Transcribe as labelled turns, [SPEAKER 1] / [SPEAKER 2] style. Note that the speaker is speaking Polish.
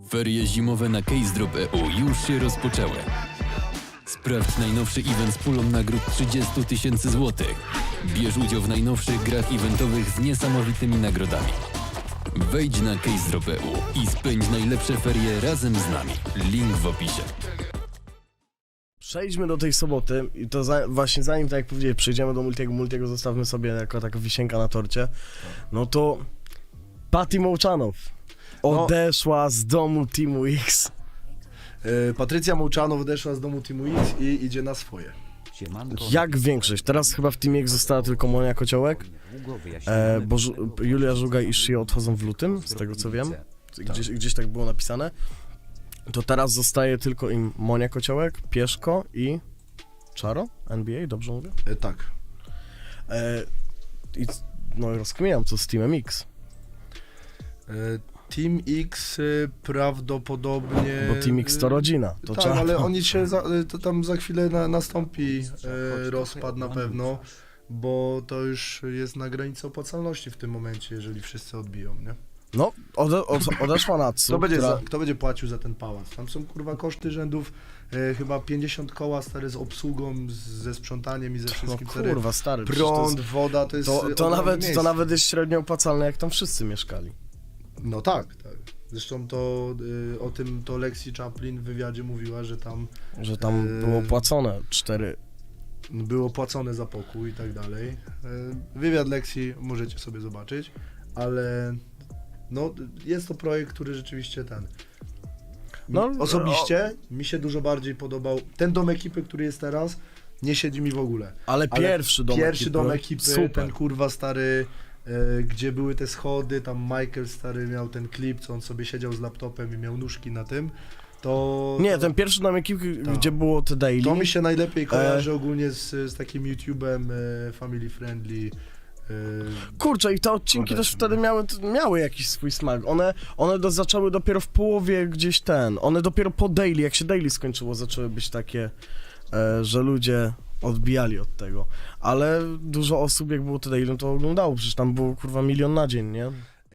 [SPEAKER 1] Ferie zimowe na Case Drop EU już się rozpoczęły. Sprawdź najnowszy event z pulą nagród 30 000 złotych. Bierz udział w najnowszych grach eventowych z niesamowitymi nagrodami. Wejdź na Case Drop EU i spędź najlepsze ferie razem z nami. Link w opisie.
[SPEAKER 2] Przejdźmy do tej soboty i to właśnie zanim, tak jak powiedziałem, przejdziemy do Multiego zostawmy sobie jako taka wisienka na torcie, no to Patty Mołczanow odeszła z domu Teamu X.
[SPEAKER 3] Patrycja Mołczanow odeszła z domu Teamu X i idzie na swoje.
[SPEAKER 2] Jak większość, teraz chyba w Teamie X została tylko Monia Kociołek, bo Julia Żugaj i Shio odchodzą w lutym, z tego co wiem, gdzieś tak było napisane. To teraz zostaje tylko im Monia Kociołek, Pieszko i Czaro? NBA, dobrze mówię?
[SPEAKER 3] Tak.
[SPEAKER 2] I no rozkminiam, co z Teamem X.
[SPEAKER 3] Team X prawdopodobnie...
[SPEAKER 2] Bo Team X to rodzina. To
[SPEAKER 3] tak,
[SPEAKER 2] trzeba...
[SPEAKER 3] ale oni się to tam za chwilę nastąpi rozpad na pewno, bo to już jest na granicy opłacalności w tym momencie, jeżeli wszyscy odbiją, nie?
[SPEAKER 2] No, odeszła Natsu,
[SPEAKER 3] Kto będzie płacił za ten pałac? Tam są kurwa koszty rzędów chyba 50 koła stary z obsługą, ze sprzątaniem i ze wszystkim.
[SPEAKER 2] No kurwa, stary.
[SPEAKER 3] Prąd, woda, to jest
[SPEAKER 2] to nawet jest średnio opłacalne, jak tam wszyscy mieszkali.
[SPEAKER 3] No tak. Zresztą o tym to Lexi Chaplin w wywiadzie mówiła, że tam
[SPEAKER 2] było płacone 4.
[SPEAKER 3] było płacone za pokój i tak dalej. Wywiad Lexi możecie sobie zobaczyć, ale no jest to projekt, który rzeczywiście osobiście mi się dużo bardziej podobał. Ten dom ekipy, który jest teraz, nie siedzi mi w ogóle.
[SPEAKER 2] Ale pierwszy dom ekipy,
[SPEAKER 3] super. Ten kurwa stary, gdzie były te schody, tam Michael stary miał ten klip, co on sobie siedział z laptopem i miał nóżki na tym.
[SPEAKER 2] Nie, ten pierwszy dom ekipy, gdzie było te daily.
[SPEAKER 3] To mi się najlepiej kojarzy ogólnie z takim YouTube'em family friendly.
[SPEAKER 2] Kurczę, i te odcinki też wtedy miały jakiś swój smak. One zaczęły dopiero w połowie gdzieś one dopiero po daily, jak się daily skończyło, zaczęły być takie, że ludzie odbijali od tego. Ale dużo osób, jak było to daily, to oglądało, przecież tam było kurwa 1 000 000 na dzień, nie?